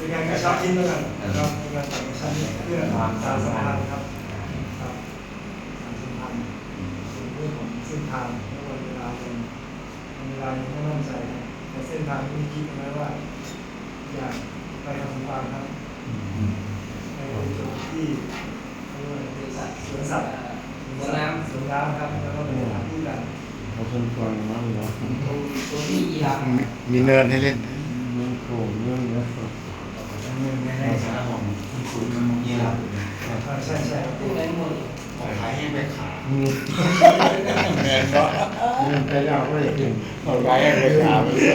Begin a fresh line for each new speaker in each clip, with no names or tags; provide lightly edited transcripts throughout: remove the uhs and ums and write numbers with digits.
เป็นการกระชับชิ้นแล้วกันนะครับเป็นการกระชับชิ้นเพื่อสารสัมพันธ์ครับครับสารสัมพันธ์ส่วนเรื่องของเส้นทางและวันเวลายังไม่มั่นใจแต่เส้นทางที่คิดเอาไว้ว่าอยากไปทำสงครามครับไปจุดที่สวนสัตว์สวนน้ำครับแล้วก็ไปหาที่กัน
เขาเป็นคนมากเลย
ตัวนี้ยีราฟ
มีเนินให้เล่น
เรื่องโขงเรื่องเนื้อสด
ไม่ได้สารของคุณนี่เรา
ใช่ครับ
ตัวไหนหมด
ของขายให้ไปขาย
มี
เนินก็
เรื่องไปยาวไม่ถึง
เอาไว้ให้ไปถาม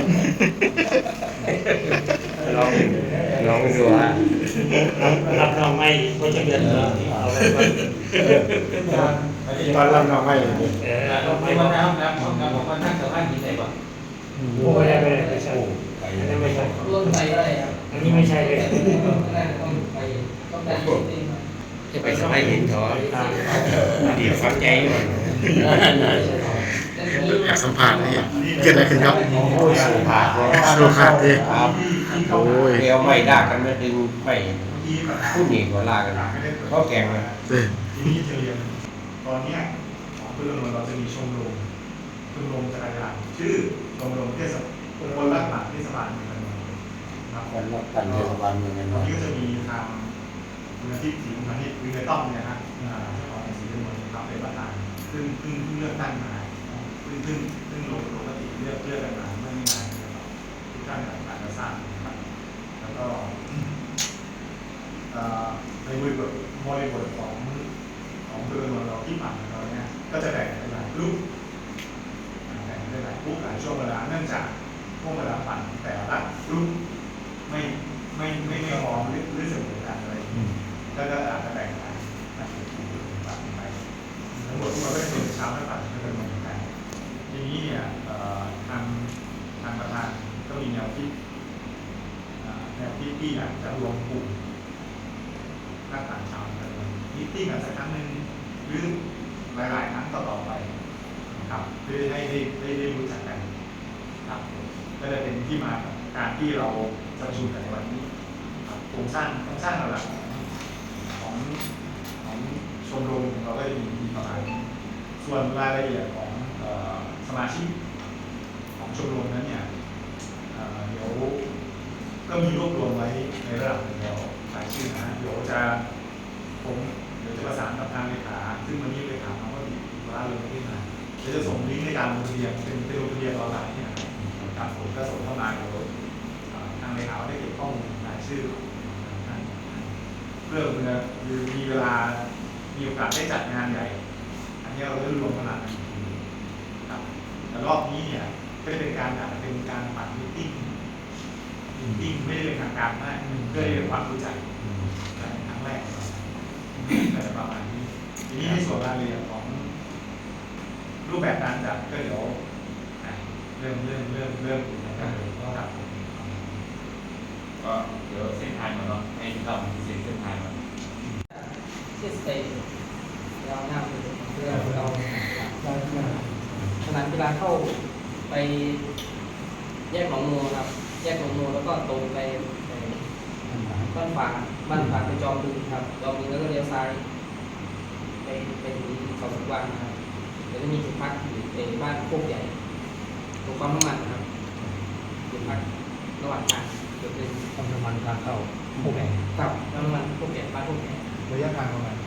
ลองไปดูฮะ
รับรองไม่ก็จะเดือนละเอาไปไว้
ตอนรับน้องไม่
ไม่
ไม่
ว่า
ว่านะครับผมว่านั่งกับบ้านที่ไหนบ้าง
โอ้ไม่ใช่อันนี้ไม่ใช่
ร่นไปได้ครับ
อันนี้ไม่ใช่เลย
ต้องได้จริง
จะไปสมัยเห็นเขาดีฟังใจอยู่
อยากสัมผัสนี่เกิดอะไรขึ้นครับ
โอ้ยสุภาพ
สุภาพดิ
ครับ
โอ้ย
เดี๋ยวไม่ด่ากันไม่ดึงไม่พูดหนีหัวลากันก็แกงเลย
เด้อ
ทีนี้จะเรียนตอนนี้ของเพื่อนเราจะมีชมรมจักรยานชื่อชมรมเทศบาลคนรักหลักเทศบาลเมืองกันนะครับ
คนรักกันเทศบาลเมืองกัน
ตอน
เนาะ
นี้ก็จะมีทางคุณอาทิตย์ศรีมุขนิตวินัยต้องเนี่ยฮะเจ้าของหนังสือเรื่องมครับเป็นประธานซึ่งเลือกตั้งมาซึ่งลงมติเลือกกันมาเมื่อไม่นานนะครับทุกท่านอาจจะทราบนะครับแล้วก็ในบริบทของเพื่อนเราที่ผ่านมาเราเนี่ยก็จะแบ่งเป็นหลายกลุ่มแบ่งเป็นหลายกลุ่มหลายช่วงเวลาเนื่องจากช่วงเวลาปั่นแต่ละกลุ่มไม่พร้อมหรือเสมอกันอะไรก็อาจจะแบ่งกันปั่นไปทั้งหมดทุกคนก็จะเป็นเช้าและปั่นก็เป็นเหมือนกันทีนี้เนี่ยทางประธานก็มีแนวคิดที่อยากจะรวมกลุ่มนักต่างชาติกันมิตติ้งกันสักครั้งหนึ่งหรือหลายๆครั้งต่อไปครับเพื่อให้ได้รู้จักกันครับก็จะเป็นที่มาของการที่เราจะประชุมกันในวันนี้ครับโครงสร้างหลักของชมรมของเราก็จะมีประมาณนี้ส่วนรายละเอียดของสมาชิกของชมรมนั้นเนี่ยเดี๋ยวก็มีรวบรวมไว้ในระดับหนึ่งแล้วรายชื่อนะเดี๋ยวจะประสานกับทางเลขาซึ่งวันนี้เลขาเขาก็ติดธุระเลยไม่ได้มาเดี๋ยวจะส่งลิงก์ในการลงทะเบียนเป็นลงทะเบียนออนไลน์เนี่ยนะครับผมก็ส่งเข้ามาเดี๋ยวทางเลขาได้เก็บข้อมูลรายชื่อของท่านเพื่อมีเวลามีโอกาสได้จัดงานใหญ่อันนี้เราได้รวมพลังกันอีกทีครับแต่รอบนี้เนี่ยก็จะเป็นการปั่นมิทติ้งไม่ได้เป็นทางการมากเพื่อให้เกิดความรู้จักกันครั้งแรกแต่ประมาณนี้ทีนี้ในส่วนรายละเอียดของรูปแบบการจัดก็เดี๋ยวเริ่มนะครับครับ
ก็เดี๋ยวเส้นทางมาเนาะให้เราเส้นทางมา
เส้นสเตย์เราหน้าเพื่อเราสนามกีฬาเข้าไปแยกหนองงูครับแยกหนองงูแล้วก็ตรงไปบ้านฝางไปจอมบึงครับจอมบึงแล้วก็เลี้ยวซ้ายไปถึงเขาสุวรรณนะครับแล้วจะมีจุดพักอยู่ในบ้านโคกใหญ่ตรงปั๊มน้ำมันนะครับจุดพักระหว่างทางจุดหนึ่ง
ทำน้ำมันทางเข้าผู้แข่ง
กับปั๊มน้ำมันโคกใหญ่บ้านโคกใหญ่
ระยะทางประมาณ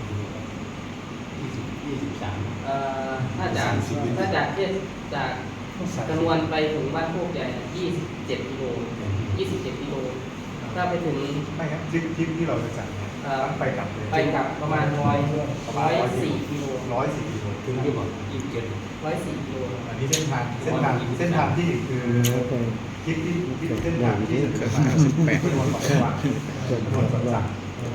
23
ถ้าจากเทียบจากจำนวนไปถึงบ้านโคกใหญ่27 กิโล 27 กิโลถ้าไปถึง
ไม่ครับทริปที่เราจะจัดเนี่ยต้องไปกลับเลย
ไปกลับประมาณ104 กิโล
104 กิโล
ถึงที่บอก
104 กิโล
อันนี้เส้นทางที่คือทริปที่เส้นทางที่จะเกิดมา18กิโลต่อวันถนนสวนสัตว์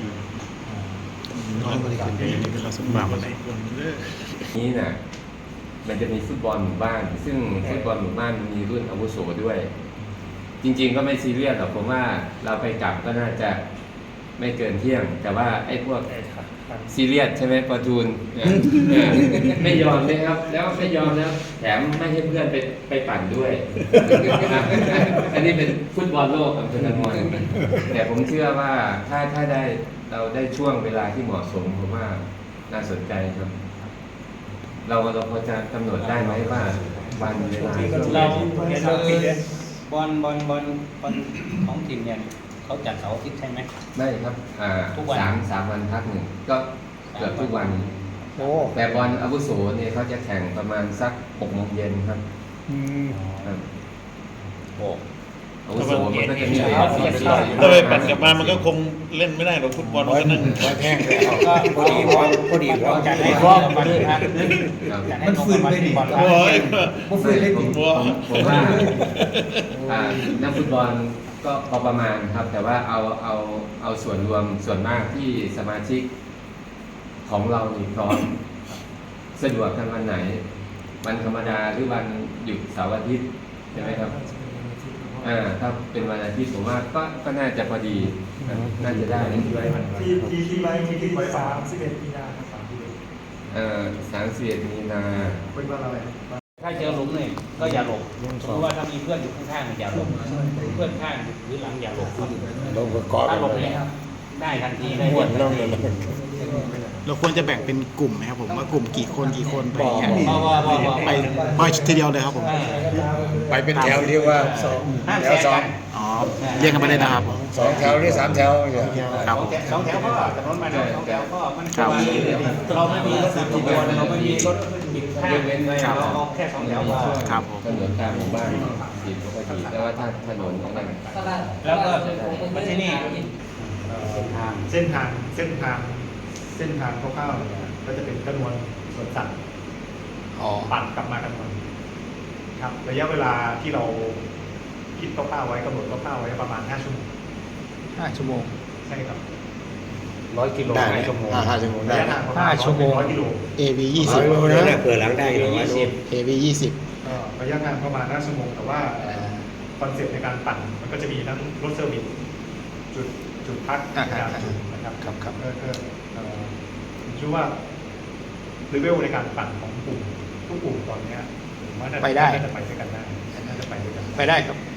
น้อยบริการเป็นนี่เป็นเราสมบัติอะไร
นี้น่ะมันจะมีฟุตบอลหมู่บ้านซึ่งฟุตบอลหมู่บ้านมีรุ่นอาวุโสด้วย จริงๆก็ไม่ซีเรียสหรอกผมว่าเราไปกลับก็น่าจะไม่เกินเที่ยง แต่ว่าไอ้พวกซีเรียสใช่ไหมประจูนไม่ยอมเลยครับ แล้วไม่ยอมแล้วแถมไม่ให้เพื่อนไปปั่นด้วย อันนี้เป็นฟุตบอลโลกอัมเภอกันมอนแต่ผมเชื่อว่าถ้าได้เราได้ช่วงเวลาที่เหมาะสมผมว่าน่าสนใจครับ เราพอจะกำหนดได้ไหมว่าวันเวลา
เราเห็นเราปิดบอลของทีมเนี่ยเขาจัดเสาร์อาทิตย์ใช่ไหม
ไม่ครับ
ทุกวัน
สามวันพักหนึ่งก็เกือบทุกวัน
โอ้
แต่บอลอาวุโสเนี่ยเขาจะแข่งประมาณสัก6 โมงเย็นครับ ครับ
โอ้
อาวุโสมันก็จะมี
ถ้าไปปั่นกลับมามันก็คงเล่นไม่ได้หรอกฟุตบอลมันก็นั่ง
แห้งเลย
ก็พอดีเราจัดให้รอบวันพักจัดให้ลงวันที่บอล
โอ้ย
ผมว่านักฟุตบอลก็พอประมาณครับ แต่ว่าเอาส่วนรวมส่วนมากที่สมาชิกของเรานี่พร้อมสะดวกกันวันไหน วันธรรมดาหรือวันหยุดเสาร์อาทิตย์ใช่ไหมครับถ้าเป็นวันอาทิตย์ผมว่าก็น่าจะพอดีน่าจะได้
ที่คิดไว้31 มีนาครับ
31 มีนา
เป็นวันอะไร
ถ้าเจอหลุมเนี่ยก็อย่าหลบสมมติว่าถ้ามีเพื่อนอยู่ข้างๆอย่าหลบเพื่อนข้างหรือหลังอย่าหลบ
ลงประกอบ
ถ้าหลบเนี่ยได้ทันทีได้
ม้วนลงเลย
เราควรจะแบ่งเป็นกลุ่มไหมครับผมว่ากลุ่มกี่คนไปอย่างเงี้ย
ไป
ไปทีเดียวเลยครับผม
ไปเป็นแถวเรียกว่า
ห้าม
แถ
แซ
ว
ง
สอ
กั
ง
น
อ๋อเรียกกันไปได้นะครับ
2 แถวหรือ 3 แถวอย่าง
ครับ
สองแถวก็ถนนมาแล้ว2 แถวก็มันคือว่าเราไม่มีรถติดขบวนเราไม่มีรถติดข้างเราเอาแค่2 แถวพอ
ครับผม
ถนนตามหมู่บ้านติดปกติแต่ว่าถ้าถนนอะไร
แล้วก็มาที่นี่
เส้นทางคร่าวๆเนี่ยก็จะเป็นกระนวนสวนสัตว์ปั่นกลับมากระนวนครับระยะเวลาที่เราคิดคร่าวๆไว้กำหนดคร่าวๆไว้ประมาณ5 ชั่วโมง
5 ชั่วโมง
ใช่ครับ
100 กิโล
ได้
เม
ไหม
ตร
5 ชั่วโมงได้
ระยะทางประมาณ
5 ชั่วโมง
100 กิโล
AV
100 โลนะ
เปิดหลังได้
20 AV
ระยะทางประมาณ5 ชั่วโมงแต่ว่าคอนเซ็ปต์ในการปั่นมันก็จะมีทั้งรถเซอร์วิสจุดพักการจุดนะครับ
ครับ
ผมคิดว่าเลเวลในการปั่นของกลุ่มทุกกลุ่มตอนเนี้ยผมว่าน่าจะไปด้วยกันได้น่าจะไปด้วยกัน
ไปได้ครับ